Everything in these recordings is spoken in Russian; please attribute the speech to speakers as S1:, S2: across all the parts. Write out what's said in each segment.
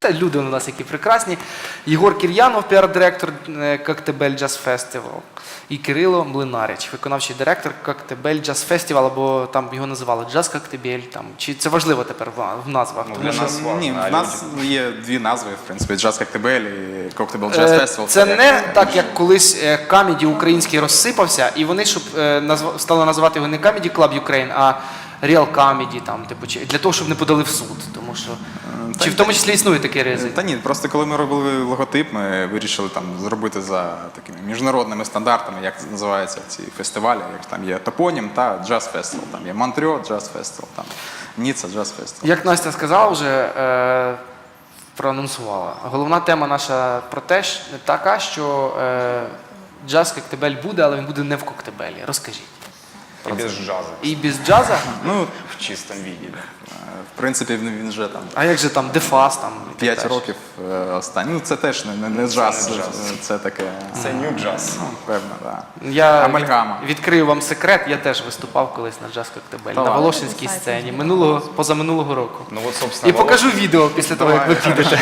S1: Та люди у нас які прекрасні. Єгор Кір'янов, піар-директор Коктебель Джаз Фестивал. І Кирило Млинарич, виконавчий директор Коктебель Джаз Фестивал, або там його називали Джаз Коктебель. Чи це важливо тепер в назвах?
S2: Ну, для нас важно.
S3: Ні, в нас є дві назви, в принципі, Джаз Коктебель і Коктебель Джаз Фестивал.
S1: Це не так, як колись Камеді український розсипався, і вони, щоб стали називати його не Comedy Club Ukraine, а Real Comedy, там, типу, для того, щоб не подали в суд. Тому що... Чи в тому числі існує такий ризик?
S3: Та ні, просто коли ми робили логотип, ми вирішили там зробити за такими міжнародними стандартами, як називаються ці фестивалі, як там є топонім та Джаз Фестивал, там є Монтрьо Джаз Фестивал, там Ніцца Джаз Фестивал.
S1: Як Настя сказала вже, проанонсувала, головна тема наша про те, така, що джаз Коктебель буде, але він буде не в Коктебелі. Розкажіть.
S2: И без джаза.
S1: І без джаза?
S3: Ну,
S2: В чистом виде.
S3: в принципі, він вже там
S1: А як же там Дефас? Там,
S3: 5 років останні. Ну, це теж не джаз,
S2: не джаз.
S3: це таке,
S2: Це нью джаз.
S3: певно, так.
S1: Я
S3: Амальгама.
S1: відкрию вам секрет, я теж виступав колись на джаз Коктебель, на Волошинській сцені, позаминулого року.
S2: Ну вот, собственно,
S1: І покажу відео після того, як ви підете.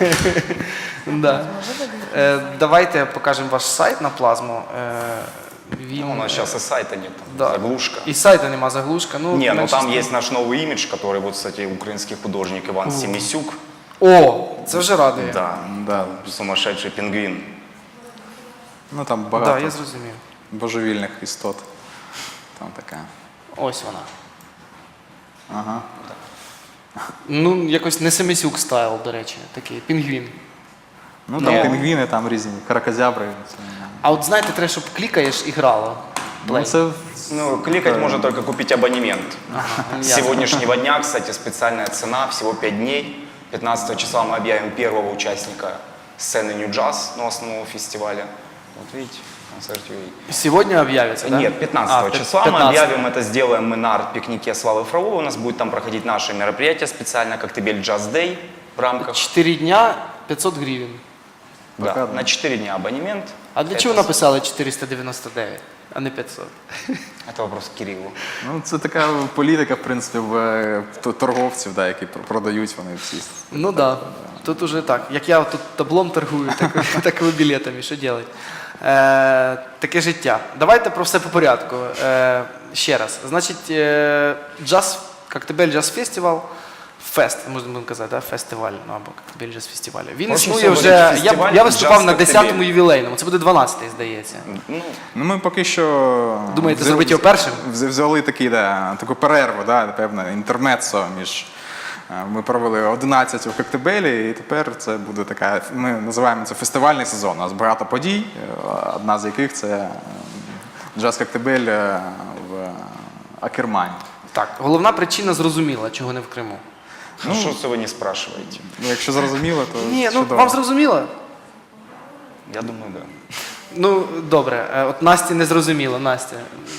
S1: Да. Давайте покажемо ваш сайт на плазму.
S2: Ну, у нас сейчас и сайта нет, там,
S1: Да.
S2: заглушка.
S1: І сайта нема, заглушка. Ну,
S2: Не, ну
S1: менше
S2: там
S1: з тим.
S2: есть наш новый имидж, который, вот, кстати, украинский художник Иван Семисюк.
S1: О, це вже радує.
S2: Да,
S3: Да.
S2: сумасшедший пингвин.
S3: Ну, там
S1: Так,
S3: багато
S1: я зрозумів.
S3: божевільних істот. Там така.
S1: Ось вона.
S3: Ага.
S1: Ну, якось не Семисюк стайл, до речі, такий пінгвін.
S3: Ну, там
S2: Ні.
S3: пінгвіни, там різні каракозябри.
S1: А от знаєте, треба, щоб клікаєш і грало.
S3: Ну, це
S2: Ну, кликать можно только купить абонемент. С
S1: ясно.
S2: сегодняшнего дня, кстати, специальная цена, всего 5 дней. 15 числа мы объявим первого участника сцены New Jazz, ну, основного фестиваля. Вот видите, концерт UA.
S1: Сьогодні об'явиться, так?
S2: Нет, 15 числа мы
S1: 15.
S2: объявим, это сделаем мы на арт-пикнике Славы Фроловой. У нас будет там проходить наше мероприятие специально, Коктебель Jazz Day в рамках.
S1: 4 дня 500 гривень.
S2: Да,
S3: Пока, да.
S2: на 4 дня абонемент.
S1: А для
S2: Это
S1: чого написали 499, а не 500?
S2: Это вопрос к Кириллу.
S3: Ну, це така політика, в принципі, торговців, да, які продають вони всі.
S1: Ну так. Да. Тут уже так. Як я тут таблом торгую, так і ви білетами. Що робити? Таке життя. Давайте про все по порядку. Ще раз. Значить, джаз, Коктебель Джаз Фестивал, фест, можна казати, да? Фестиваль, ну або Коктебель Джаз Фестиваль. Він
S2: Прошу
S1: існує
S2: всього
S1: вже,
S2: говорити, фестиваль
S1: я виступав
S2: Джаз
S1: на
S2: Коктебель.
S1: 10-му ювілейному, це буде 12-й, здається.
S2: Ну,
S3: Ну, ми поки що...
S1: Думаєте, зробити його першим?
S3: Взяли такий, да, таку перерву, да, певне, інтермеццо між... Ми провели 11 у Коктебелі, і тепер це буде така, ми називаємо це фестивальний сезон. У нас багато подій, одна з яких це Джаз Коктебель в Акермані.
S1: Так, головна причина зрозуміла, чого не в Криму.
S2: ну что це вы не спрашиваете?
S3: Ну, якщо зрозуміло, то
S1: Ні, ну
S3: чудово.
S1: вам зрозуміло?
S2: Я думаю, да.
S1: Ну, добре, от Насті не зрозуміло, Настя.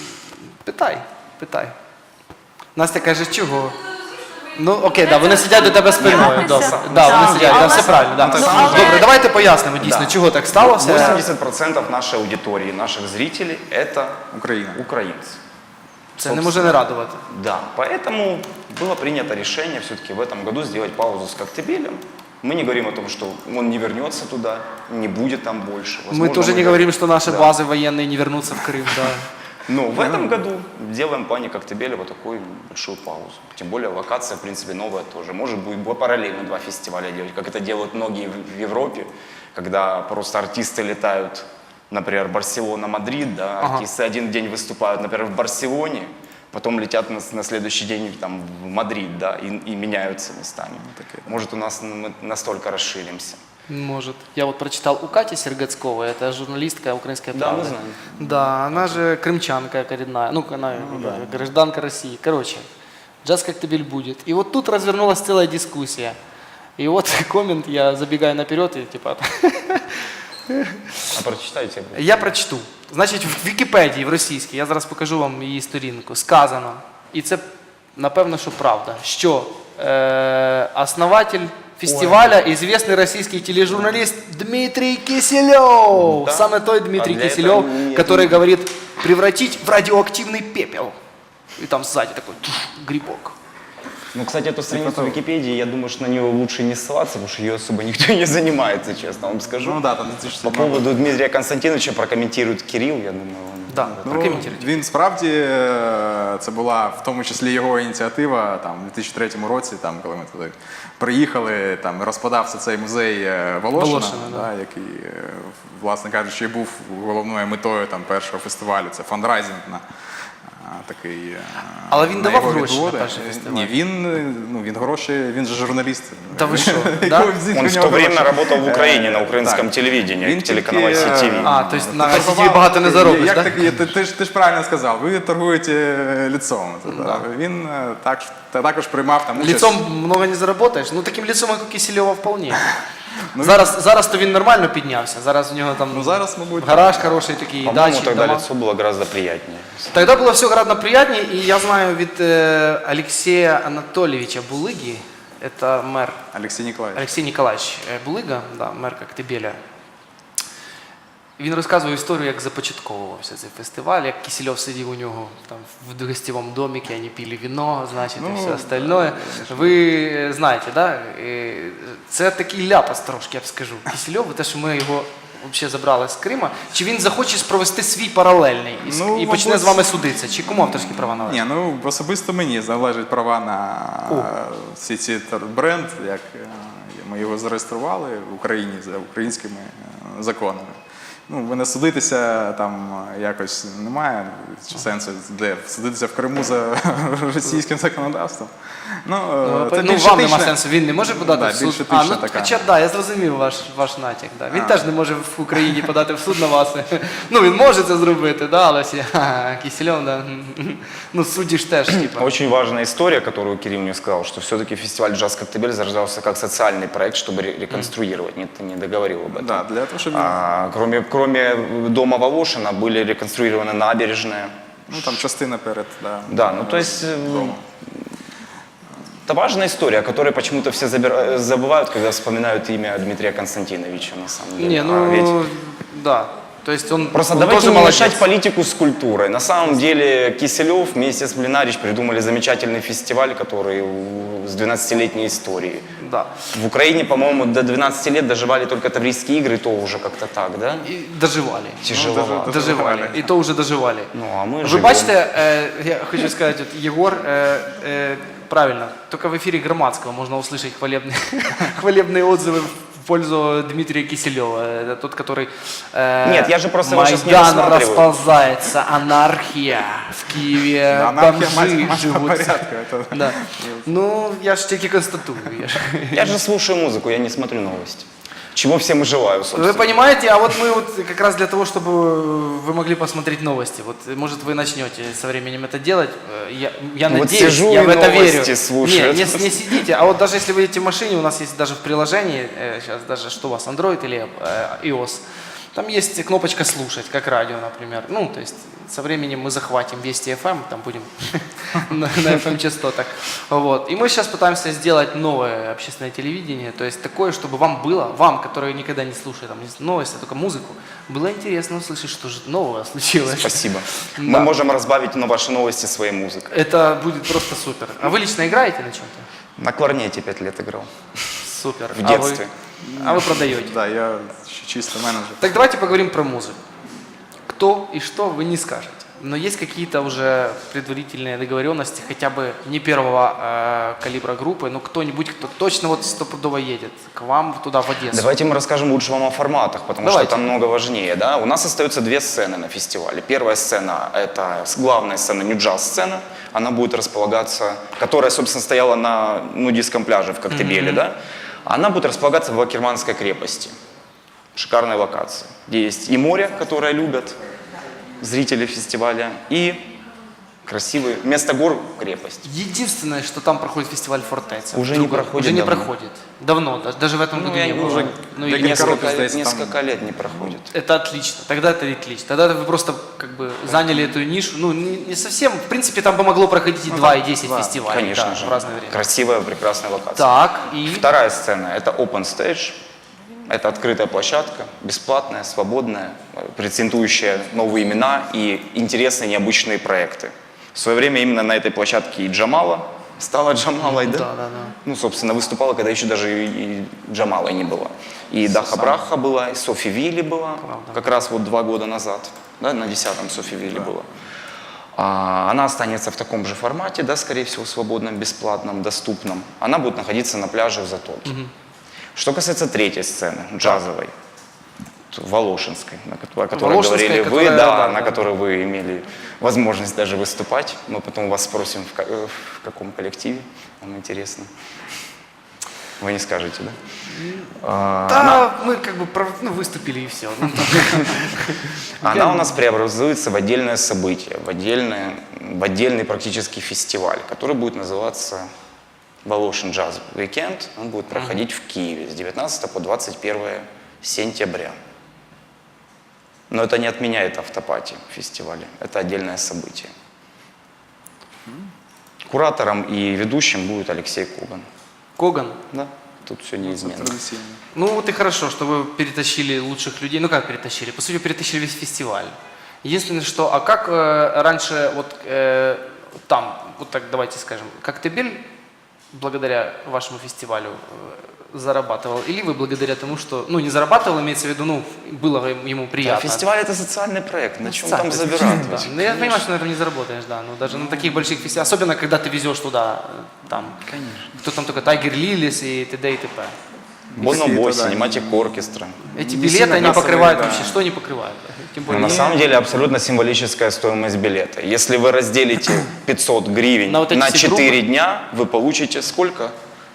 S1: Питай. Настя каже, чого? Ну, окей, да, вони сидять до тебе спиною. Добре. Да, вони сидять, да, все правильно. Да. Добре, давайте пояснимо дійсно,
S2: Да.
S1: чого так сталося.
S2: 80% нашей аудитории, наших зрителей – это
S3: Україна.
S2: украинцы.
S1: Це не може не радувати.
S2: Да, поэтому было принято решение все-таки в этом году сделать паузу с Коктебелем. Мы не говорим о том, что он не вернется туда, не будет там больше.
S1: Мы
S2: Возможно,
S1: тоже не говорим, что наши
S2: Да.
S1: базы военные не вернутся в Крым. Да.
S2: Но в этом году делаем в плане Коктебеля вот такую большую паузу. Тем более локация, в принципе, новая тоже. Может быть параллельно 2 фестиваля делать, как это делают многие в Европе, когда просто артисты летают, например, Барселона, Мадрид, да, артисты один день выступают, например, в Барселоне, потом летят на следующий день там, в Мадрид, да, и меняются местами. Может, у нас мы настолько расширимся.
S1: Может. Я вот прочитал у Кати Сергацковой, это журналистка «Украинская
S2: Да,
S1: правда».
S2: мы знаем.
S1: Да, она же крымчанка коренная, ну, она гражданка России. Короче, джаз Коктебель будет. И вот тут развернулась целая дискуссия. И вот коммент, я забегаю наперед и типа...
S2: А прочитайте.
S1: Я прочту. Значить, в Вікіпедії, в російській, я зараз покажу вам її сторінку, сказано, і це, напевно, що правда, що основатель фестиваля, известный российский тележурналист Дмитрий Киселев.
S2: Да.
S1: Саме той Дмитрий
S2: А для
S1: Киселев,
S2: этого нет.
S1: который говорит превратить в радиоактивный пепел. И там сзади такой грибок.
S2: Ну, кстати, эту страницу Википедии, я думаю, что на нее лучше не ссылаться, потому что ее особо никто не занимается, честно вам скажу.
S3: Ну да, там
S2: По
S3: 2007
S2: поводу Дмитрия Константиновича прокомментирует Кирилл, я думаю, он...
S1: Да,
S3: Ну,
S1: прокоментуйте.
S3: він справді, це була в тому числі його ініціатива там, у 2003 році, там, коли ми туди приїхали, там, розпадався цей музей Волошина,
S1: Волошина,
S3: да, який, власне кажучи, і був головною метою там, першого фестивалю. Це фандрайзинг на такий.
S1: Але він
S3: на
S1: давав
S3: його
S1: гроші на
S3: відводи.
S1: перший фестиваль?
S3: Ні, він гроші, він же журналіст.
S1: Та ви що, да?
S3: Його взяли,
S2: Он
S3: у
S2: в
S3: нього
S2: то время
S3: гроші.
S2: работал в Украине на
S3: Так.
S2: украинском телевидении,
S3: Він
S2: телеканала
S3: тільки,
S2: CTV.
S1: А, то есть на
S3: торгував-
S1: ICTV багато не заробиш,
S3: Як
S1: так?
S3: так? Ти ж правильно сказав, ви торгуєте лицом. Він також приймав там участь.
S1: Лицом много не заработаєш. Ну таким лицом, як у Кисельова, вполне. Зараз то він нормально піднявся. Зараз у нього там
S3: Ну зараз, мабуть,
S1: гараж хороший такий,
S2: По-моему,
S1: дачі,
S2: тогда
S1: дома.
S2: лицо было гораздо приятнее.
S1: Тогда было все гораздо приятнее, и я знаю від Алексея Анатольевича Булыги, это мэр
S3: Олексій Ніколаєвич.
S1: Алексей Николаевич Булыга, да, мэр Коктебеля. Він розказував історію, як започатковувався цей фестиваль, як Кисельов сидів у нього там в гостєвому домике, вони пили вино, значить, і все остальное. Ви знаєте, да? Це такий ляпас трошки, я б скажу. Кисельов, те, що ми його взагалі забрали з Крима, чи він захоче провести свій паралельний і почне
S3: мабуть,
S1: з вами судитися? Чи кому авторські права належать?
S3: Ні, ну особисто мені належать права на всі ці бренд, як ми його зареєстрували в Україні за українськими законами. Ну, мене судитися там якось немає сенсу, де судитися в Криму за російським законодавством. Ну, це
S1: Ну,
S3: більш
S1: вам нема
S3: етичне-
S1: сенсу, він не може подати
S3: Да,
S1: в суд.
S3: більш етична така.
S1: Хоча, да, я зрозумів ваш натяк. Да. Він теж не може в Україні подати в суд на вас. Ну, він може це зробити, да, але всі, Кисельов, да. Ну, судді ж теж, типа.
S2: Очень важная история, которую Кирилл мне сказал, что все-таки фестиваль «Джаз Коктебель» зарождался как социальный проект, чтобы реконструировать. Ты не договорил об этом.
S3: Да, для того, щоб
S2: Кроме дома Волошина были реконструированы набережные.
S3: ну, там частина перед,
S2: Да, ну то есть это важная история, о которой почему-то все забывают, когда вспоминают имя Дмитрия Константиновича на самом деле.
S1: Не,
S2: А
S1: ну,
S2: ведь
S1: да. То есть он,
S2: просто
S1: он
S2: давайте
S1: тоже
S2: не
S1: молодец.
S2: мешать политику с культурой. На самом деле Киселев вместе с Блинарич придумали замечательный фестиваль, который с 12-летней историей.
S1: Да.
S2: В Украине, по-моему, до 12 лет доживали только Таврийские игры, то уже как-то так, да?
S1: И доживали.
S2: Тяжеловато.
S1: Доживали. І то вже доживали.
S2: Ну, а мы
S1: Ви
S2: живем.
S1: бачите, я хочу сказать, вот Егор, правильно, только в эфире Громадского можно услышать хвалебные отзывы в пользу Дмитрия Киселева. Это тот, который...
S2: Нет, я же просто его сейчас не
S1: Майдан
S2: рассматриваю.
S1: расползается, анархия в Киеве,
S3: анархия
S1: бомжи
S3: масса
S1: живут.
S3: порядка. Это...
S1: Да. Ну, я ж тільки констатую.
S2: Я же слушаю музыку, я не смотрю новости. Чего всем и желаю, собственно.
S1: Вы понимаете, а вот мы вот как раз для того, чтобы вы могли посмотреть новости, вот может вы начнете со временем это делать, я
S2: Вот
S1: надеюсь,
S2: сижу
S1: я
S2: и
S1: в это
S2: новости
S1: верю.
S2: слушаю.
S1: Не сидите, а вот даже если вы едете в машине, у нас есть даже в приложении, сейчас даже что у вас, Android или iOS, там есть кнопочка «Слушать», как радио, например. Ну, то есть со временем мы захватим Вести FM, там будем на FM-частотах. Вот. И мы сейчас пытаемся сделать новое общественное телевидение, то есть такое, чтобы вам было, вам, которые никогда не слушают там, новости, а только музыку, было интересно услышать, что же нового случилось.
S2: Спасибо.
S1: Да.
S2: Мы можем разбавить на ваши новости своей музыкой.
S1: Это будет просто супер. А вы лично играете на чем-то?
S2: На кларнете 5 лет играл.
S1: Супер.
S2: В детстве.
S1: А вы продаете?
S3: Да, я чисто менеджер.
S1: Так давайте поговорим про музыку. Кто и что вы не скажете. Но есть какие-то уже предварительные договоренности, хотя бы не первого калибра группы, но кто-нибудь, кто точно вот стопудово едет к вам туда, в Одессу.
S2: Давайте мы расскажем лучше вам о форматах, потому
S1: Давайте.
S2: что это много важнее. Да? У нас остаются 2 сцены на фестивале. Первая сцена – это главная сцена, нью-джаз-сцена. Она будет располагаться, которая, собственно, стояла на нудистском пляже в Коктебеле. Да? Она будет располагаться в Акерманской крепости. Шикарная локация, где есть и море, которое любят зрители фестиваля, и красивый, вместо гор крепость.
S1: Единственное, что там проходит фестиваль Фортеца.
S2: Уже не проходит
S1: Уже не
S2: давно.
S1: проходит. Давно, даже в этом году не было.
S3: уже
S1: Ну,
S3: для
S1: или
S3: несколько здається,
S2: Несколько лет не проходит.
S1: Это отлично, тогда это отлично. Тогда вы просто как бы заняли эту нишу. Ну, не совсем, в принципе, там бы могло проходить и 2, и 10 фестивалей.
S2: Конечно
S1: да,
S2: же.
S1: в разное время.
S2: Красивая, прекрасная локация.
S1: Так, и...
S2: Вторая сцена – это open stage. Это открытая площадка, бесплатная, свободная, претендующая новые имена и интересные, необычные проекты. В свое время именно на этой площадке и Джамала стала Джамалой, да?
S1: Да.
S2: Ну, собственно, выступала, когда еще даже и Джамалой не была. И Даха Браха была, и Софи Вилли была,
S1: Правда.
S2: как раз вот 2 года назад, да, на 10-м Софи Вилли была. Она останется в таком же формате, да, скорее всего, свободном, бесплатном, доступном. Она будет находиться на пляже в Затоке. Что касается третьей сцены, джазовой, Волошинской, о которой
S1: Волошинская,
S2: говорили вы,
S1: которая,
S2: да,
S1: да,
S2: на
S1: да.
S2: которой вы имели возможность даже выступать. Мы потом вас спросим, в каком коллективе, нам интересно. Вы не скажете, да?
S1: Да, мы как бы выступили и все.
S2: Она у нас преобразуется в отдельное событие, в отдельный практически фестиваль, который будет называться Волошин Джаз Weekend. Он будет проходить в Киеве с 19 по 21 сентября. Но это не отменяет автопати фестиваля. Это отдельное событие. Куратором и ведущим будет Алексей Коган.
S1: Коган?
S2: Да, тут все неизменно.
S3: Традиційно.
S1: Ну вот и хорошо, что вы перетащили лучших людей. Ну как перетащили? По сути, перетащили весь фестиваль. Единственное, что, а как раньше вот там, вот так давайте скажем, Коктебель благодаря вашему фестивалю зарабатывал? Или вы благодаря тому, что, ну не зарабатывал, имеется в виду, ну было ему
S2: Да,
S1: приятно?
S2: фестиваль это социальный проект, на чем там
S1: Социальный,
S2: забирать?
S1: да. Ну, я понимаю, что на этом не заработаешь, да. Но даже на таких больших фестивалях, особенно когда ты везешь туда, там, кто там только Тайгер Лилис и т.д. и т.п.
S2: Бонобой,
S3: да,
S2: Cinematic Orchestra.
S1: Эти
S3: Не
S1: билеты,
S3: сильно
S1: они
S3: кассовые,
S1: покрывают
S3: да.
S1: вообще, что они покрывают? Тем
S2: Но
S1: более,
S2: на самом деле абсолютно символическая стоимость билета. Если вы разделите 500 гривен
S1: На вот эти
S2: на
S1: все
S2: 4
S1: группы?
S2: дня, вы получите сколько?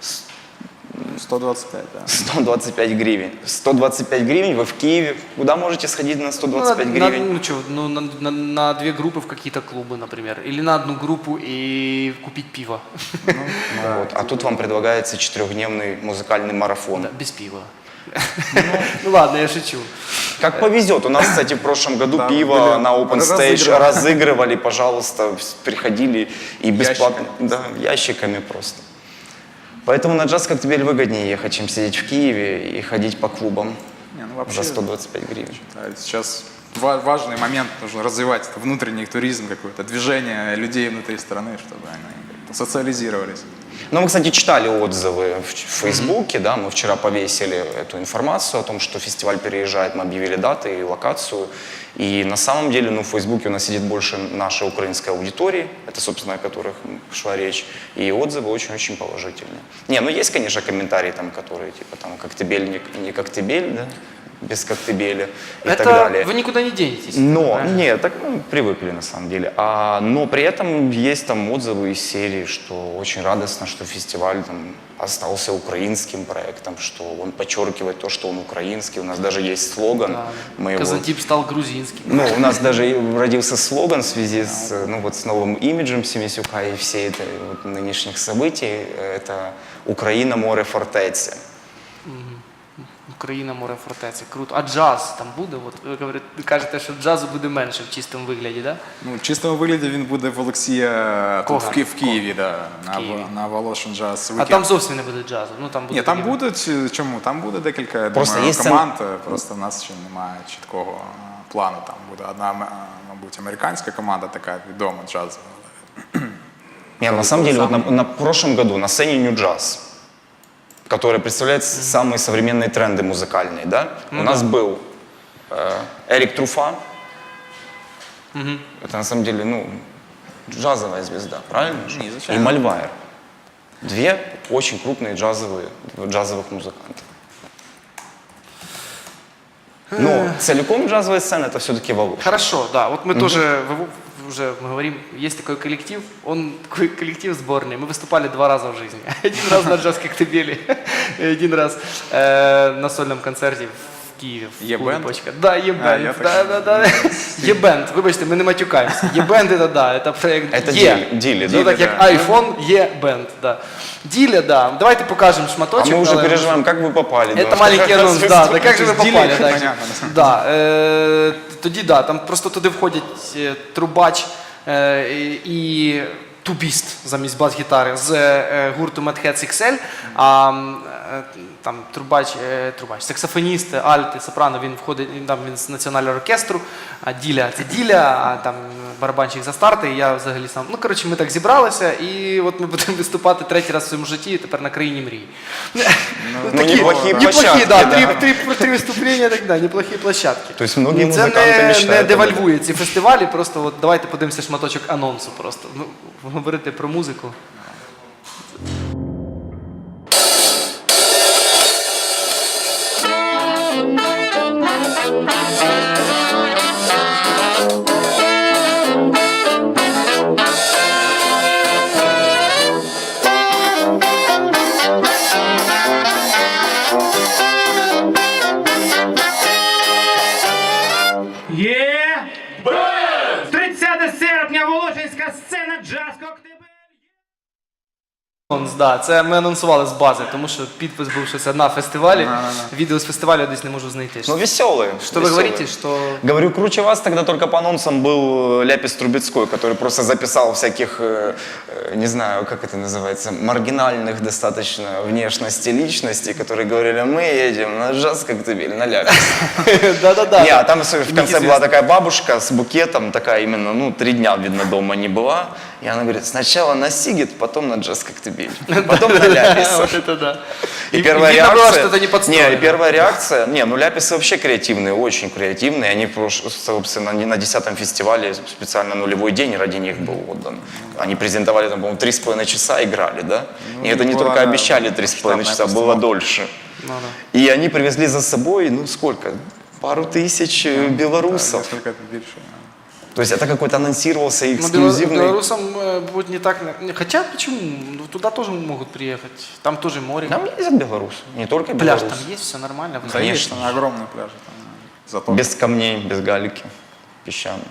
S3: 125, да.
S2: 125 гривен. 125 гривен вы в Киеве. Куда можете сходить на 125 гривен?
S1: ну что, ну, на две группы в какие-то клубы, например. Или на одну группу и купить пиво.
S2: Вот. А тут вам предлагается 4-дневный музыкальный марафон.
S1: Да, без пива. Ну ладно, я шучу.
S2: Как повезет. У нас, кстати, в прошлом году
S3: Да,
S2: пиво
S3: были
S2: на Open Stage
S3: разыгрывали.
S2: разыгрывали, пожалуйста, приходили и бесплатно. Да, ящиками просто. Поэтому на джаз Коктебель выгоднее ехать, чем сидеть в Киеве и ходить по клубам
S3: Не, ну, вообще,
S2: за 125 гривен.
S3: да, сейчас важный момент, нужно развивать это внутренний туризм, какое-то движение людей внутри страны, чтобы они как-то социализировались.
S2: Ну, мы, кстати, читали отзывы в Фейсбуке, да, мы вчера повесили эту информацию о том, что фестиваль переезжает, мы объявили даты и локацию. И на самом деле, ну, в Фейсбуке у нас сидит больше нашей украинской аудитории, это, собственно, о которых шла речь, и отзывы очень-очень положительные. Не, ну, есть, конечно, комментарии там, которые, типа, там, Коктебель, не Коктебель, да, без Коктебеля и так далее.
S1: Вы никуда не денетесь.
S2: Но,
S1: правильно?
S2: нет, так привыкли на самом деле. Но при этом есть там отзывы из серии, что очень радостно, что фестиваль там остался украинским проектом, что он подчеркивает то, что он украинский. У нас даже есть слоган.
S1: Да.
S2: Мы его-
S1: Казантип стал грузинским.
S2: Ну, у нас даже и родился слоган в связи с, ну, вот, с новым имиджем Семисюка и всей этой вот, нынешних событий. Это «Украина, море, фортеці».
S1: Україна, море, фортеця. Круто. А джаз там буде? От ви кажете, що джазу буде менше в чистому вигляді, так? Да?
S3: Ну, в чистому вигляді він буде в Олексія тут,
S1: Коган.
S3: в Києві, да,
S1: Києві.
S3: на Волошин Джаз
S1: А
S3: Weekend.
S1: там зовсім не буде джазу. Ну, там буде
S3: Ні, там
S1: такі-
S3: будуть, чому? Там буде декілька, я
S2: Просто
S3: думаю,
S2: є
S3: команд, просто в нас ще немає чіткого плану. Там буде одна, мабуть, американська команда така відома джазова.
S2: Нет, на самом деле, вот на прошлом году на сцене New Jazz, которая представляет самые современные тренды музыкальные, да, у нас был Эрик Труфа. Это на самом деле, ну, джазовая звезда, правильно? же?
S3: Не,
S2: И
S3: зачем?
S2: Мальвайер. Две очень крупные джазовых музыканта. Но целиком джазовая сцена это все-таки Волошин.
S1: Хорошо, да. Вот мы тоже уже мы говорим, есть такой коллектив, он такой коллектив сборный. Мы выступали 2 раза в жизни. Один раз на джаз Коктебеле, и один раз на сольном концерте в Києві. в
S3: Є
S1: клубі
S3: бенд?
S1: «Почка». Да, є
S3: А,
S1: бенд.
S3: я
S1: Да. Є бенд. Вибачте, ми не матюкаємося. Є бенд, це да, це проект
S2: Это
S1: є.
S2: Дили,
S1: Ну
S2: да?
S1: так як
S3: да.
S1: iPhone, є бенд, да. Діля, да. Давайте покажемо
S2: А
S1: шматочок.
S2: мы уже
S1: але-
S2: переживаем, как вы попали.
S1: Это
S2: да?
S1: маленький анонс, да, да, как же вы
S3: Дилі,
S1: попали, так.
S3: понятно.
S1: Да, тоді да, там просто туди входять трубач і тубіст замість бас-гітари з гурту Mad Hats XL, а там трубач, саксофоніст, альт, сопрано, він входить, він з національного оркестру, а Діля це Діля, а там барабанщик за старти, і я взагалі сам. Ну, коротше, ми так зібралися, і от ми будемо виступати третій раз в своєму житті, тепер на країні мрій.
S2: неплохие
S1: Неплохі,
S2: площадки,
S1: да,
S2: да.
S1: три виступлення, так да, неплохі площадки.
S2: То есть многие
S1: Це
S2: музыканты мечтают
S1: не
S2: об этом.
S1: девальвує ці фестивалі, просто от давайте подивимося шматочок анонсу просто. Ну, говорити про музику.
S4: Є! 30 серпня, Волошинська сцена «Джаз Коктебель».
S1: Да, це ми анонсували з бази, тому що підпис був, що це на фестивалі. Відео з фестивалю я десь не можу знайти.
S2: Ну, веселые.
S1: Что вы говорите, что...
S2: Говорю, круче вас тогда только по анонсам был Ляпис Трубецкой, который просто записал всяких, не знаю, как это называется, маргинальных достаточно внешности личностей, которые говорили, мы едем на джаз Коктебель, на Ляпис.
S1: Да-да-да.
S2: Не, а там в конце была такая бабушка с букетом, такая именно, ну, 3 дня, видно, дома не была. И она говорит, сначала на Сигет, потом на джаз Коктебель, потом на Ляпис.
S1: Вот это да.
S2: И первая
S1: видно было,
S2: реакция...
S1: что это не подстроено.
S2: Не, и первая реакция... Не, ну ляписы вообще креативные, очень креативные. Они, собственно, на 10-м фестивале специально нулевой день ради них был отдан. Они презентовали, там, по-моему, 3,5 часа играли, да?
S3: Ну,
S2: И это не
S3: была,
S2: только
S3: да,
S2: обещали 3,5 часа, было
S3: постановка.
S2: дольше.
S1: Ну, да.
S2: И они привезли за собой, ну сколько? Пару тысяч белорусов.
S3: Несколько більше.
S2: То есть это какой-то анонсировался
S1: Ну,
S2: эксклюзивный...
S1: белорусам будет не так... Хотя, почему? Ну, туда тоже могут приехать. Там тоже море.
S2: Там ездят белорусы, не только
S1: Пляж
S2: белорусы.
S1: там есть, все нормально.
S3: Да,
S2: Конечно.
S3: есть огромные пляжи. Там, зато
S2: Без камней, без галики, песчаные.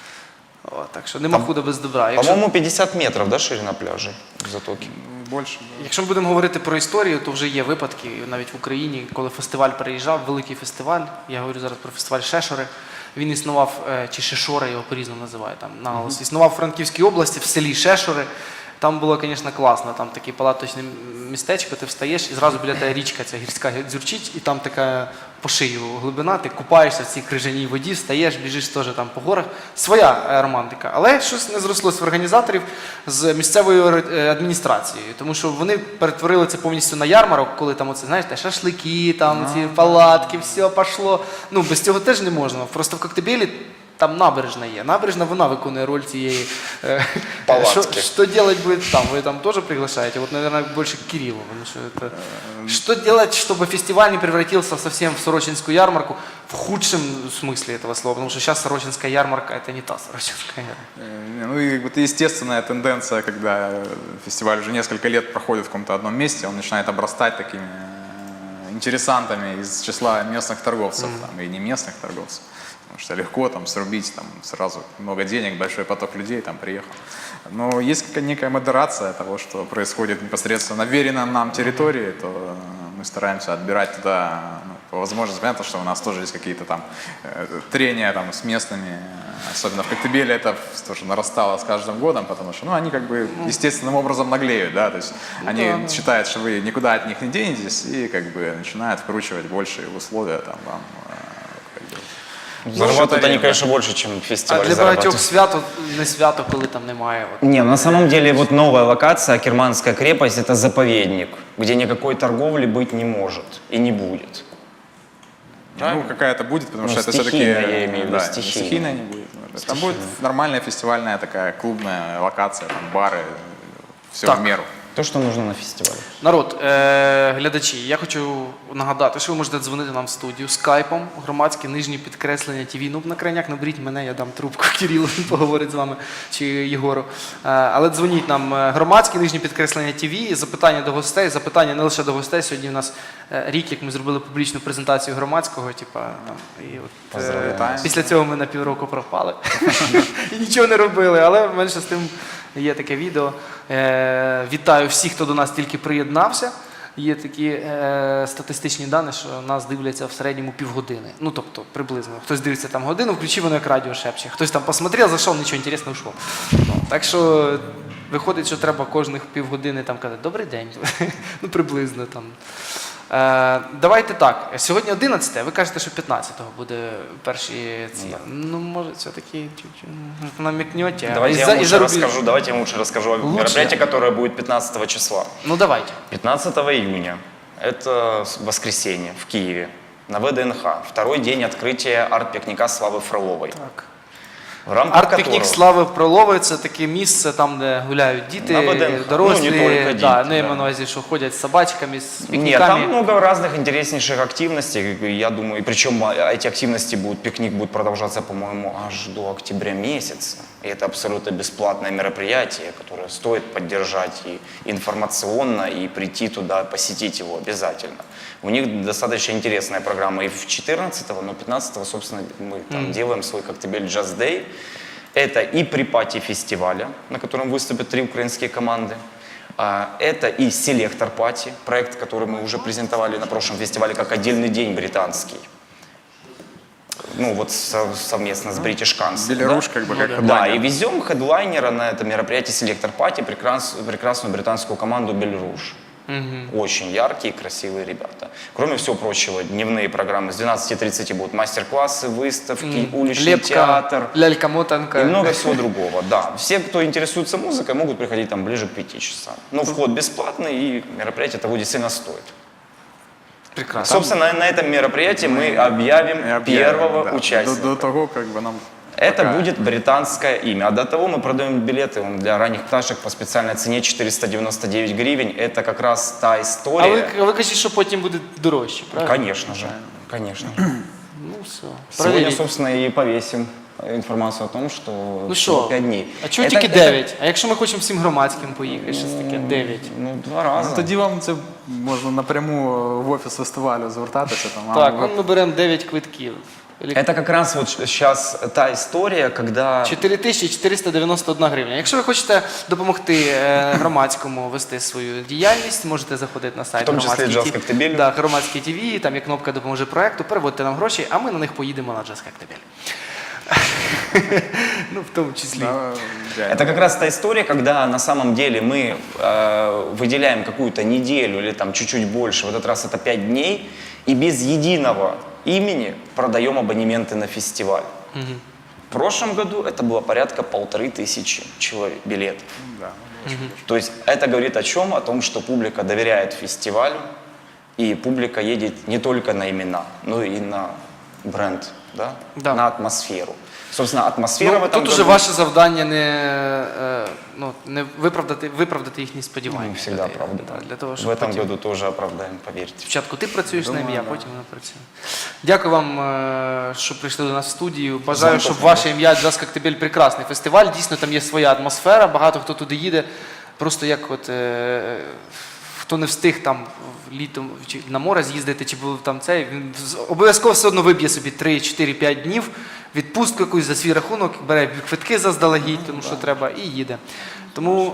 S1: О, так що нема худа без добра. Якщо,
S2: По-моему, 50 метров, да, ширина пляжей в Затоке?
S3: больше.
S1: якщо ми будемо говорити про історію, то вже є випадки навіть в Україні, коли фестиваль переїжджав, великий фестиваль, я говорю зараз про фестиваль Шешори, він існував, чи Шешори його по-різному називають, там наголос, існував в Франківській області, в селі Шешори. Там було, звісно, класно, там таке палаточне містечко, ти встаєш і зразу біля тебе річка ця гірська дзюрчить, і там така по шию глибина, ти купаєшся в цій крижаній воді, встаєш, біжиш теж там по горах. Своя романтика. Але щось не зрослось в організаторів з місцевою адміністрацією, тому що вони перетворили це повністю на ярмарок, коли там оце, знаєш, шашлики, там ці палатки, все пішло. Ну, без цього теж не можна. Просто в Коктебелі там набережна є. Набережна, вона виконує роль цієї...
S2: Палатки.
S1: Что делать будет там? Вы там тоже приглашаете? Вот, наверное, больше к Кириллу. Потому что это... Что делать, чтобы фестиваль не превратился совсем в Сорочинскую ярмарку в худшем смысле этого слова? Потому что сейчас Сорочинская ярмарка – это не та Сорочинская ярмарка.
S3: Ну и вот естественная тенденция, когда фестиваль уже несколько лет проходит в каком-то одном месте, он начинает обрастать такими интересантами из числа местных торговцев, там, и не местных торговцев. Потому что легко там срубить там, сразу много денег, большой поток людей там приехал. Но есть некая модерация того, что происходит непосредственно на веренной нам территории, то мы стараемся отбирать туда, ну, по возможности. Понятно, что у нас тоже есть какие-то там трения там, с местными, особенно в Коктебеле это тоже нарастало с каждым годом, потому что ну, они как бы естественным образом наглеют, да, то есть они считают, что вы никуда от них не денетесь и как бы начинают вкручивать большие условия там вам.
S2: Зарабатывают они, конечно, больше, чем
S1: А
S2: фестиваль
S1: для багатьох
S2: зарабатывает.
S1: свято не свято, коли там немає. От.
S5: Не, на самом деле вот новая локация, Керманская крепость, это заповедник, где никакой торговли быть не может и не будет.
S3: Ну, какая-то будет, потому
S5: Ну,
S3: что это все-таки...
S5: стихийная, я имею в виду,
S3: да,
S5: стихийная.
S3: стихийная не будет. Там будет нормальная фестивальная такая клубная локация, там бары, все
S1: Так.
S3: в меру.
S5: То, что нужно на фестивале.
S1: Народ, глядачі, я хочу нагадати, що ви можете дзвонити нам в студію скайпом, громадське нижнє підкреслення ТВ. Ну, на крайняк наберіть мене, я дам трубку Кирилу, він поговорить з вами, чи Єгору. Але дзвоніть нам громадське нижнє підкреслення ТВ, запитання до гостей, запитання не лише до гостей. Сьогодні у нас рік, як ми зробили публічну презентацію громадського, типа, там, і от,
S3: Поздравляємо.
S1: після цього ми на півроку пропали і нічого не робили, але менше з тим є таке відео. Вітаю всіх, хто до нас тільки приєднався. Є такі статистичні дані, що нас дивляться в середньому півгодини. Ну, тобто, приблизно. Хтось дивиться там годину, включив воно як радіо шепче. Хтось там посмотрел, зайшов, нічого інтересного ушло. Ну, так що виходить, що треба кожних півгодини там казати «Добрий день». Ну, приблизно там. Давайте так. Сьогодні 11, ви кажете, що 15-го буде перші ці. Ну, може, все-таки чуть-чуть намікнете.
S2: Давайте я вам лучше расскажу, о
S1: Лучше.
S2: мероприятии, которое будет 15 числа.
S1: Ну, давайте.
S2: 15 июня, это воскресенье в Киеве, на ВДНХ. Второй день открытия арт-пикника Славы Фроловой.
S1: Так.
S2: В рамках
S1: Арт-пікнік
S2: которого...
S1: Слави Фролової – це таке місце, там, де гуляють діти,
S2: На ВДНХ.
S1: дорослі,
S2: Ну, не тільки діти,
S1: да,
S2: да.
S1: я маю на увазі, що ходять з собачками, з
S2: Нет,
S1: пікніками.
S2: там много разных интереснейших активностей, я думаю, и причем эти активности будут, пикник будет продолжаться, по-моему, аж до октября месяца. И это абсолютно бесплатное мероприятие, которое стоит поддержать и информационно, и прийти туда, посетить его обязательно. У них достаточно интересная программа и в 14-го, но 15-го, собственно, мы там делаем свой Коктебель Jazz Day. Это и припати фестиваля, на котором выступят 3 украинские команды. Это и селектор пати, проект, который мы уже презентовали на прошлом фестивале как отдельный день британский. Ну вот совместно с British Council.
S3: Беларусь как бы как
S2: Да,
S3: хедлайнер.
S2: и везем хедлайнера на это мероприятие селектор пати, прекрасную британскую команду Белруш. Очень яркие, красивые ребята. Кроме всего прочего, дневные программы. С 12:30 будут мастер-классы, выставки, уличный
S1: Лепка,
S2: театр.
S1: лялька-мотанка.
S2: И много всего другого, да. Все, кто интересуется музыкой, могут приходить там ближе к 5 часам. Но вход бесплатный, и мероприятие того действительно стоит.
S1: Прекрасно.
S2: Собственно, на этом мероприятии мы объявим первого
S3: да.
S2: участника.
S3: До того, как бы нам...
S2: Это
S3: пока-
S2: будет британское имя. А до того мы продаем билеты для ранних пташек по специальной цене 499 гривен. Это как раз та
S1: А
S2: история.
S1: ви кажете, що потім буде дорожче, правильно?
S2: Конечно же, конечно же.
S1: Ну все.
S2: Сегодня,
S1: Проверіть.
S2: собственно, и повесим информацию о том, что
S1: Ну
S2: всего
S1: що,
S2: 5 дней.
S1: а чого
S2: Это-
S1: тільки
S2: это-
S1: 9? А якщо ми хочемо всім громадським поїхати, щось таке 9?
S2: Ну, 2 раза.
S3: Ну, тоді вам це можна напряму в офіс фестивалю звертатися. Там,
S1: Так,
S3: ви-
S1: ну ми беремо 9 квитків.
S2: Это как раз вот сейчас та история, когда...
S1: 4491 гривня. Якщо ви хочете допомогти громадському вести свою діяльність, можете заходити на сайт
S2: В тому числі
S1: громадський
S2: Jazz Коктебель.
S1: Да, громадський ТВ, там є кнопка «Допоможи проекту», переводьте нам гроші, а ми на них поїдемо на Jazz Коктебель. Ну, в тому числі.
S3: Да, ідеально.
S2: Это как раз та история, когда на самом деле мы выделяем какую-то неделю или там чуть-чуть больше, в этот раз это 5 дней, и без единого имени продаем абонементы на фестиваль. В прошлом году это было порядка 1500 человек, билетов.
S3: Да.
S2: То есть это говорит о чем? О том, что публика доверяет фестивалю, и публика едет не только на имена, но и на бренд, да?
S1: Да.
S2: На атмосферу. Собственно, атмосфера в
S1: Ну,
S2: этом
S1: тут уже
S2: году-
S1: ваше завдання не виправдати їхні сподівання.
S2: Мы всегда
S1: людей.
S2: правда.
S1: Да, для того,
S2: В
S1: щоб
S2: этом
S1: потім...
S2: году тоже оправдаем, поверьте.
S1: Спочатку ти працюєш
S3: Думаю,
S1: ним, я
S3: да.
S1: потім вона працює. Дякую вам, що прийшли до нас в студію. Бажаю,
S2: Вам
S1: щоб
S2: теж.
S1: ваше ім'я Jazz Коктебель прекрасний фестиваль. Дійсно, там є своя атмосфера, багато хто туди їде. Просто як от хто не встиг там літом чи на море з'їздити, чи був там цей, він обов'язково все одно виб'є собі 3, 4, 5 днів, відпустку якусь за свій рахунок, бере квитки заздалегідь, тому що треба, і їде. Тому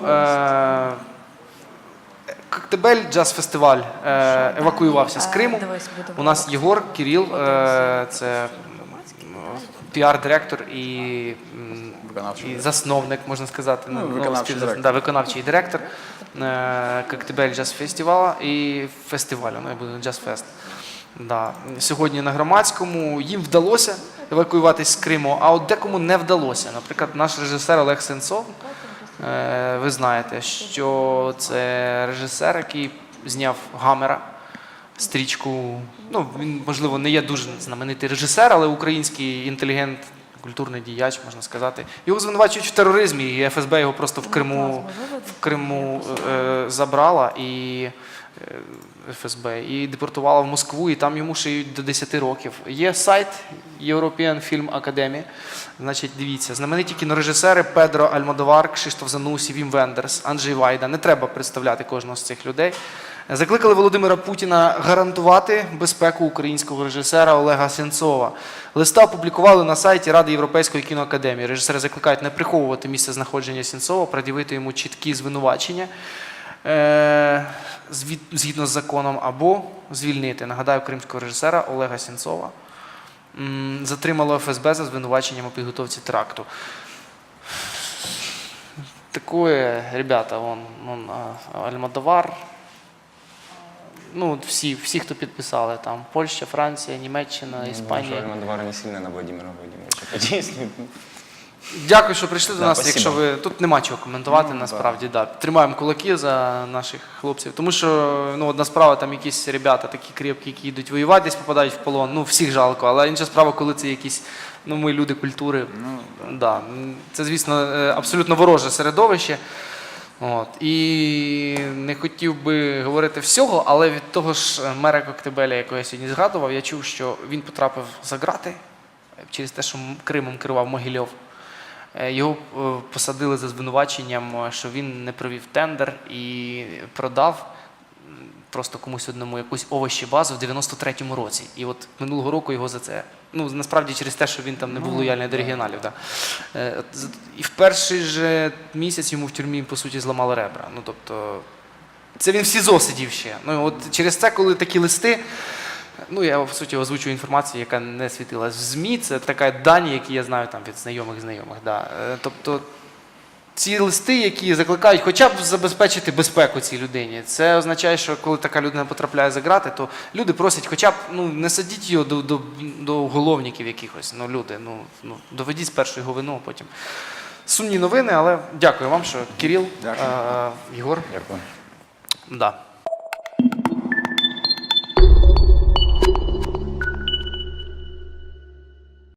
S1: Коктебель джаз-фестиваль евакуювався з Криму. У нас Єгор Кирил, це піар-директор і засновник, можна сказати,
S3: виконавчий директор.
S1: Да, виконавчий директор Коктебель джаз-фестивалю і фестивалю, ну, я буду джаз-фест. Да. Сьогодні на громадському їм вдалося евакуюватись з Криму, а от декому не вдалося. Наприклад, наш режисер Олег Сенцов, ви знаєте, що це режисер, який зняв «Гамера», стрічку. Ну, він, можливо, не є дуже знаменитий режисер, але український інтелігент, культурний діяч, можна сказати. Його звинувачують в тероризмі, і ФСБ його просто в Криму забрала, і ФСБ, і депортувала в Москву, і там йому шиють до 10 років. Є сайт European Film Academy. Значить, дивіться, знамениті кінорежисери Педро Альмодовар, Кшиштоф Занусі, Вім Вендерс, Анджей Вайда. Не треба представляти кожного з цих людей. Закликали Володимира Путіна гарантувати безпеку українського режисера Олега Сенцова. Листа опублікували на сайті Ради Європейської кіноакадемії. Режисери закликають не приховувати місце знаходження Сенцова, пред'явити йому чіткі звинувачення згідно з законом, або звільнити. Нагадаю, кримського режисера Олега Сенцова затримало ФСБ за звинуваченням у підготовці теракту. Такое, ребята, он Альмодовар, Ну, от всі, хто підписали, там Польща, Франція, Німеччина, Іспанія.
S2: Альмадовар не сильно на Владимира Владимировича подействует.
S1: Дякую, що прийшли до
S2: Да,
S1: нас.
S2: спасибо.
S1: Якщо ви тут нема чого коментувати, насправді да. Тримаємо кулаки за наших хлопців. Тому що ну, одна справа, там якісь ребята такі крепкі, які йдуть воювати, десь попадають в полон. Ну, всіх жалко, але інша справа, коли це якісь, ну, ми люди культури. Да. Це, звісно, абсолютно вороже середовище. От. І не хотів би говорити всього, але від того ж мера Коктебеля, якого я сьогодні згадував, я чув, що він потрапив за ґрати через те, що Кримом керував Могильов. Його посадили за звинуваченням, що він не провів тендер і продав просто комусь одному якусь овощебазу в 93-му році. І от минулого року його за це, ну насправді через те, що він там не був лояльний до регіоналів. Да. І в перший же місяць йому в тюрмі, по суті, зламали ребра. Ну тобто, це він в СІЗО сидів ще. Ну от через це, коли такі листи, ну, я, в суті, озвучую інформацію, яка не світилась в ЗМІ, це така дані, які я знаю там від знайомих. Да. Тобто, ці листи, які закликають хоча б забезпечити безпеку цій людині, це означає, що коли така людина потрапляє за ґрати, то люди просять хоча б, ну, не садіть його до уголовників якихось, ну, люди, ну, доведіть спершу його вину, а потім. Сумні новини, але дякую вам, що Кирил,
S3: Дякую.
S1: Єгор.
S2: Дякую.
S1: Да.